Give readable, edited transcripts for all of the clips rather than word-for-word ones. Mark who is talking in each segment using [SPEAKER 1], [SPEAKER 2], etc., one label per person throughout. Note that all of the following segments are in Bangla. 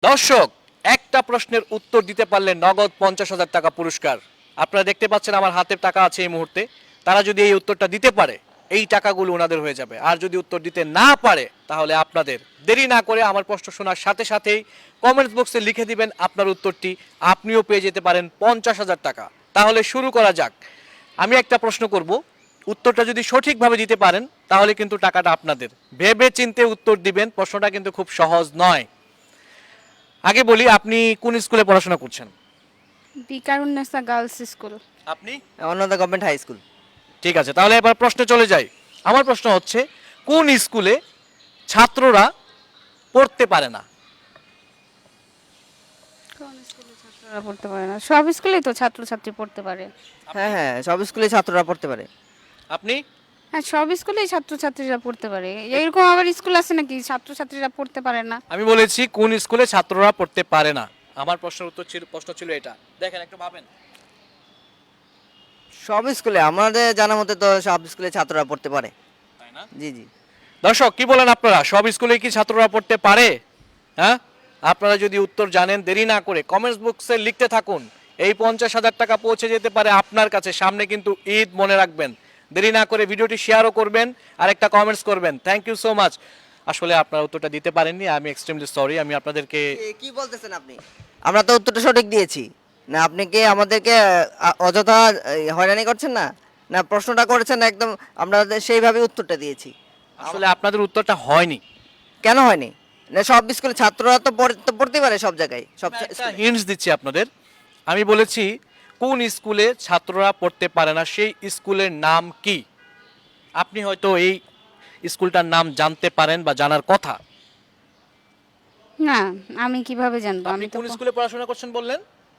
[SPEAKER 1] দর্শক, একটা প্রশ্নের উত্তর দিতে পারলে নগদ 50,000 টাকা পুরস্কার। আপনারা দেখতে পাচ্ছেন আমার হাতে টাকা আছে এই মুহূর্তে। তারা যদি এই উত্তরটা দিতে পারে, এই টাকাগুলো ওনাদের হয়ে যাবে। আর যদি উত্তর দিতে না পারে, তাহলে আপনাদের দেরি না করে আমার প্রশ্ন শোনার সাথে সাথেই কমেন্টস বক্সে লিখে দিবেন আপনার উত্তরটি। আপনিও পেয়ে যেতে পারেন 50,000 টাকা। তাহলে শুরু করা যাক। আমি একটা প্রশ্ন করব, উত্তরটা যদি সঠিকভাবে দিতে পারেন তাহলে কিন্তু টাকাটা আপনাদের। ভেবে চিন্তে উত্তর দিবেন, প্রশ্নটা কিন্তু খুব সহজ নয়। আগে বলি, আপনি কোন স্কুলে পড়াশোনা করছেন?
[SPEAKER 2] Viqarunnisa girls school.
[SPEAKER 1] আপনি?
[SPEAKER 3] অন্যদা গভর্নমেন্ট হাই স্কুল।
[SPEAKER 1] ঠিক আছে, তাহলে এবার প্রশ্নে চলে যাই। আমার প্রশ্ন হচ্ছে, কোন স্কুলে ছাত্ররা পড়তে পারে না?
[SPEAKER 2] কোন স্কুলে ছাত্ররা পড়তে পারে না? সব স্কুলেই তো ছাত্রছাত্রী পড়তে পারে।
[SPEAKER 3] হ্যাঁ হ্যাঁ, সব স্কুলে ছাত্ররা পড়তে পারে।
[SPEAKER 1] আপনি?
[SPEAKER 2] হ্যাঁ, সব স্কুলেই ছাত্রছাত্রীরা পড়তে পারে। এরকম আবার স্কুল আছে নাকি ছাত্রছাত্রীরা পড়তে পারে না?
[SPEAKER 1] আমি বলেছি কোন স্কুলে ছাত্ররা পড়তে পারে না। আমার প্রশ্ন ছিল এটা। দেখেন, একটু ভাবেন।
[SPEAKER 3] সব স্কুলে আমাদের জানা মতে তো সব স্কুলে ছাত্ররা পড়তে পারে।
[SPEAKER 1] তাই না?
[SPEAKER 3] জি জি।
[SPEAKER 1] দর্শক, কি বলেন আপনারা? সব স্কুলে কি ছাত্ররা পড়তে পারে? হ্যাঁ, আপনারা যদি উত্তর জানেন, দেরি না করে কমেন্টস বক্সে লিখতে থাকুন। এই 50,000 টাকা পৌঁছে যেতে পারে আপনার কাছে। সামনে কিন্তু ঈদ, মনে রাখবেন। দেরি না করে ভিডিওটি শেয়ারও করবেন আর একটা কমেন্টস করবেন। Thank you so much. আসলে আপনারা উত্তরটা দিতে পারেননি, আমি এক্সট্রিমলি সরি। আমি আপনাদেরকে
[SPEAKER 3] কি বলতেছেন আপনি? আমরা তো উত্তরটা সঠিক দিয়েছি না। আপনি কি আমাদেরকে অযথা হয়রানি করছেন না? না, প্রশ্নটা করেছেন একদম, আমরা সেইভাবে উত্তরটা দিয়েছি।
[SPEAKER 1] আসলে আপনাদের উত্তরটা হয়নি।
[SPEAKER 3] কেন হয়নি? না, সব স্কুলে ছাত্ররা তো পড়তে পারে সব জায়গায়, সব স্কুলে।
[SPEAKER 1] হিন্টস দিচ্ছি আপনাদের। আমি বলেছি কোন স্কুলে ছাত্ররা পড়তে পারে না, সেই স্কুলের নাম কি? আপনি হয়তো এই স্কুলটার নাম জানতে পারেন বা জানার কথা।
[SPEAKER 2] না, আমি কিভাবে জানবো?
[SPEAKER 1] আপনি
[SPEAKER 2] আমি তো
[SPEAKER 1] কোন স্কুলে পড়াশোনা করছেন বললেন?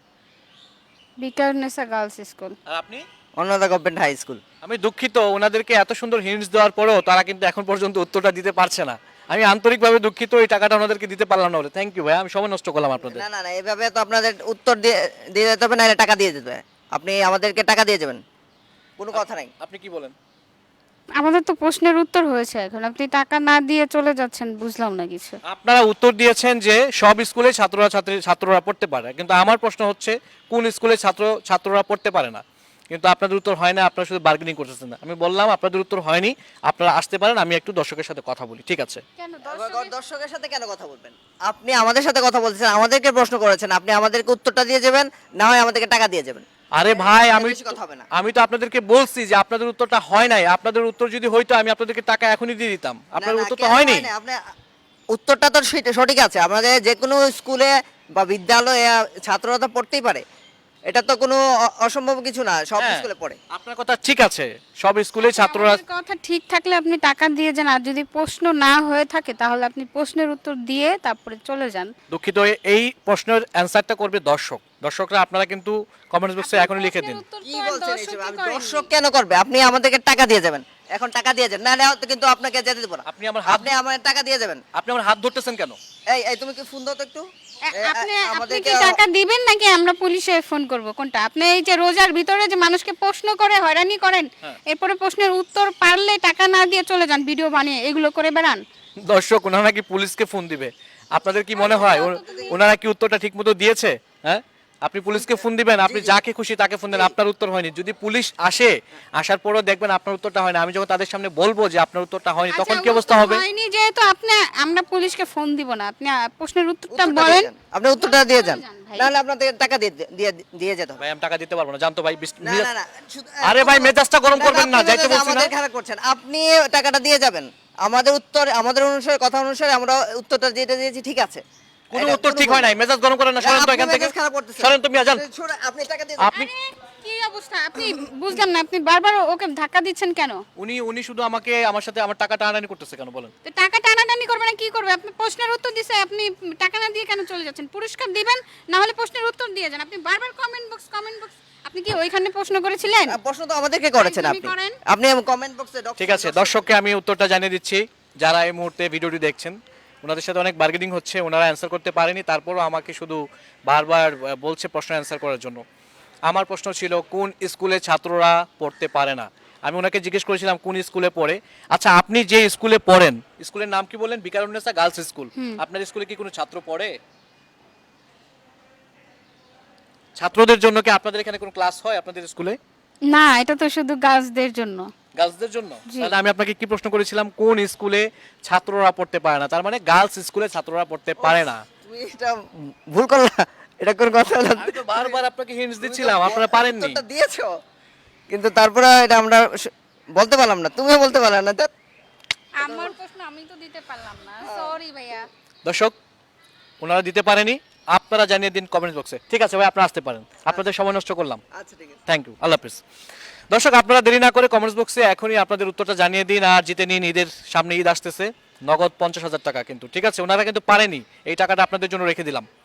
[SPEAKER 2] বিকারুন্নেসা গার্লস স্কুল।
[SPEAKER 1] আর আপনি?
[SPEAKER 3] অন্যদা গভর্নমেন্ট হাই স্কুল।
[SPEAKER 1] আমি দুঃখিত, ওনাদেরকে এত সুন্দর হিন্টস দেওয়ার পরেও তারা কিন্তু এখন পর্যন্ত উত্তরটা দিতে পারছে না। আমি আন্তরিকভাবে দুঃখিত, এই টাকাটা ওনাদেরকে দিতে পারলাম না বলে। থ্যাংক ইউ ভাই, আমি সময় নষ্ট করলাম আপনাদের।
[SPEAKER 3] না না না, এভাবে তো আপনাদের উত্তর দিয়ে দিয়ে যেতে হবে, না টাকা দিয়ে যেতে হবে। আপনি আমাদেরকে টাকা দিয়ে যাবেন, কোনো কথা নাই।
[SPEAKER 1] আপনি কি বলেন?
[SPEAKER 2] আমাদের তো প্রশ্নের উত্তর হয়েছে, এখন আপনি টাকা না দিয়ে চলে যাচ্ছেন, বুঝলাম না কিছু।
[SPEAKER 1] আপনারা উত্তর দিয়েছেন যে সব স্কুলে ছাত্ররা পড়তে পারে, কিন্তু আমার প্রশ্ন হচ্ছে কোন স্কুলে ছাত্ররা পড়তে পারে না। কিন্তু আপনাদের উত্তর হয় না, আপনারা শুধু বার্গেনিং করতেছেন না। আমি বললাম আপনাদের উত্তর হয়নি, আপনারা আসতে পারেন, আমি একটু দর্শকের সাথে কথা বলি, ঠিক আছে?
[SPEAKER 2] কেন
[SPEAKER 3] দর্শকের সাথে কেন কথা বলবেন? আপনি আমাদের সাথে কথা বলছেন, আমাদেরকে প্রশ্ন করেছেন, আপনি আমাদেরকে উত্তরটা দিয়ে যাবেন, না হয় আমাদেরকে টাকা দিয়ে যাবেন।
[SPEAKER 1] আরে ভাই,
[SPEAKER 3] বেশি কথা হবে না।
[SPEAKER 1] আমি তো আপনাদেরকে বলছি যে আপনাদের উত্তরটা হয় নাই। আপনাদের উত্তর যদি হইতো আমি আপনাদেরকে টাকা এখনই দিয়ে দিতাম। আপনাদের উত্তর তো
[SPEAKER 3] কেন
[SPEAKER 1] হয়নি।
[SPEAKER 3] হয় না? আপনি উত্তরটা তো সঠিক আছে। আমাদের যে কোনো স্কুলে বা বিদ্যালয়ে ছাত্ররা তো পড়তেই পারে, এটা তো কোনো অসম্ভব কিছু না, সব
[SPEAKER 1] হ্যাঁ,
[SPEAKER 3] স্কুলে পড়ে।
[SPEAKER 1] আপনার কথা ঠিক আছে, সব স্কুলে ছাত্ররা।
[SPEAKER 2] আমাদের কথা ঠিক থাকলে আপনি টাকা দিয়ে যান, আর যদি প্রশ্ন না হয়ে থাকে তাহলে আপনি প্রশ্নের উত্তর দিয়ে তারপরে চলে যান।
[SPEAKER 1] দুঃখিত, এই প্রশ্নের অ্যানসারটা করবে দর্শকরা। আপনারা কিন্তু কমেন্টস বক্সে এখনই লিখে দিন।
[SPEAKER 3] কি বলছেন এইসব? আমি দর্শক কেন করবে? আপনি আমাদেরকে টাকা দিয়ে যাবেন, এখন টাকা দিয়ে যান, না হলে কিন্তু আপনাকে যেতে দেব না।
[SPEAKER 1] আপনি আমার হাত
[SPEAKER 3] আপনি আমার টাকা দিয়ে যাবেন।
[SPEAKER 1] আপনি আমার হাত ধরতেছেন কেন?
[SPEAKER 3] এই এই তুমি কি ফোন দাও তো একটু।
[SPEAKER 2] আপনি কি টাকা দিবেন নাকি আমরা পুলিশে ফোন করব? কোনটা? আপনি এই যে রোজার ভিতরে যে মানুষকে প্রশ্ন করে হয়রানি করেন, এরপরে প্রশ্নের উত্তর পারলে টাকা না দিয়ে চলে যান, ভিডিও বানিয়ে এগুলো করে বেড়ান।
[SPEAKER 1] দর্শক, ওনারা নাকি পুলিশকে ফোন দিবে। আপনাদের কি মনে হয় ওনারা কি উত্তরটা ঠিকমতো দিয়েছে? হ্যাঁ, আপনি পুলিশকে ফোন দিবেন, আপনি যাকে খুশি তাকে ফোন দেন, আপনার উত্তর হয়নি। যদি পুলিশ আসে, আসার পরেও দেখবেন আপনার উত্তরটা হয় না, আমি যখন তাদের সামনে বলবো যে আপনার উত্তরটা হয়নি, তখন কি অবস্থা হবে?
[SPEAKER 2] হয়নি যেহেতু আমরা পুলিশকে ফোন দিব না, আপনি প্রশ্নের উত্তরটা বলেন।
[SPEAKER 3] আপনি উত্তরটা দিয়ে যান,
[SPEAKER 2] ভাই।
[SPEAKER 3] নাহলে আপনাদের টাকা দিয়ে দিয়ে দিয়ে যেতে হবে।
[SPEAKER 1] ভাই, আমি টাকা দিতে পারবো না, জানতো ভাই।
[SPEAKER 3] না না না,
[SPEAKER 1] আরে ভাই, মেজাজটা গরম করবেন না,
[SPEAKER 3] আপনি
[SPEAKER 1] যাইতে বলছি না।
[SPEAKER 3] আমাদের খারাপ করছেন। আপনি টাকাটা দিয়ে যাবেন, আমাদের অনুসারে, কথা অনুসারে আমরা উত্তরটা যেটা দিয়েছি ঠিক আছে।
[SPEAKER 1] কোনো উত্তর ঠিক হয় নাই, মেজাজ গরম করেন না। সরেন তো এখান থেকে, সরেন তো মিয়া, যান।
[SPEAKER 3] আপনি টাকা দিয়ে
[SPEAKER 1] আপনি
[SPEAKER 2] কি অবস্থা? আপনি বুঝলাম না, আপনি বারবার ওকে ধাক্কা দিচ্ছেন কেন?
[SPEAKER 1] উনি শুধু আমার সাথে আমার টাকা টানাটানি করতেছে কেন বলেন?
[SPEAKER 2] তো টাকা টানাটানি করবে না কি করবে? আপনি প্রশ্নের উত্তর দিছে, আপনি টাকা না দিয়ে কেন চলে যাচ্ছেন? পুরস্কার দিবেন, না হলে প্রশ্নের উত্তর দিয়ে যান। আপনি বারবার কমেন্ট বক্স। আপনি কি ওইখানে প্রশ্ন করেছিলেন?
[SPEAKER 3] প্রশ্ন তো আমাদেরকে করেছেন
[SPEAKER 2] একদমই
[SPEAKER 3] আপনি।
[SPEAKER 2] করেন।
[SPEAKER 3] আপনি কমেন্ট বক্সে
[SPEAKER 1] ঠিক আছে, দর্শককে আমি উত্তরটা জানিয়ে দিচ্ছি। যারা এই মুহূর্তে ভিডিওটি দেখছেন, ওনাদের সাথে অনেক বার্গেনিং হচ্ছে, ওনারা অ্যান্সার করতে পারেনি, তারপরও আমাকে শুধু বারবার বলছে প্রশ্ন অ্যান্সার করার জন্য। আমার প্রশ্ন ছিল কোন স্কুলে ছাত্ররা পড়তে পারে না। আমি ওনাকে জিজ্ঞেস করেছিলাম কোন স্কুলে পড়ে। আচ্ছা, আপনি যে স্কুলে পড়েন, স্কুলের নাম কি বলেন? Viqarunnisa girls school. আপনার স্কুলে কি কোনো ছাত্র পড়ে? ছাত্রদের জন্য কি আপনাদের এখানে কোনো ক্লাস হয় আপনাদের স্কুলে?
[SPEAKER 2] না, এটা তো শুধু গার্লসদের জন্য।
[SPEAKER 1] গার্লসদের জন্য?
[SPEAKER 2] জি।
[SPEAKER 1] তাহলে আমি আপনাকে কি প্রশ্ন করেছিলাম, কোন স্কুলে ছাত্ররা পড়তে পারে না? তার মানে গার্লস স্কুলে ছাত্ররা পড়তে পারে না।
[SPEAKER 3] তুমি এটা ভুল করলা, এটা কোন কথা হলো?
[SPEAKER 1] আমি তো বারবার আপনাকে হিন্টস দিচ্ছিলাম, আপনারা পারেননি।
[SPEAKER 3] উত্তরটা দিয়েছো, কিন্তু তারপরে এটা আমরা বলতে পারলাম না, তুমিও বলতে পারলে না। ধ্যাৎ।
[SPEAKER 2] আমার প্রশ্ন আমি তো দিতে পারলাম না, সরি ভাইয়া।
[SPEAKER 1] দর্শক, ওনারা দিতে পারেনি, আপনারা জানিয়ে দিন কমেন্ট বক্সে। ঠিক আছে ভাই, আপনারা আসতে পারেন, আপনাদের সময় নষ্ট করলাম।
[SPEAKER 3] আচ্ছা ঠিক আছে।
[SPEAKER 1] থ্যাংক ইউ, আল্লাহ হাফিজ। দর্শক, আপনারা দেরি না করে কমেন্টস বক্সে এখনই আপনাদের উত্তরটা জানিয়ে দিন আর জিতে নিন। ঈদের সামনে ঈদ আসতেছে, নগদ 50,000 টাকা কিন্তু। ঠিক আছে, ওনারা কিন্তু পারেনি, এই টাকাটা আপনাদের জন্য রেখে দিলাম।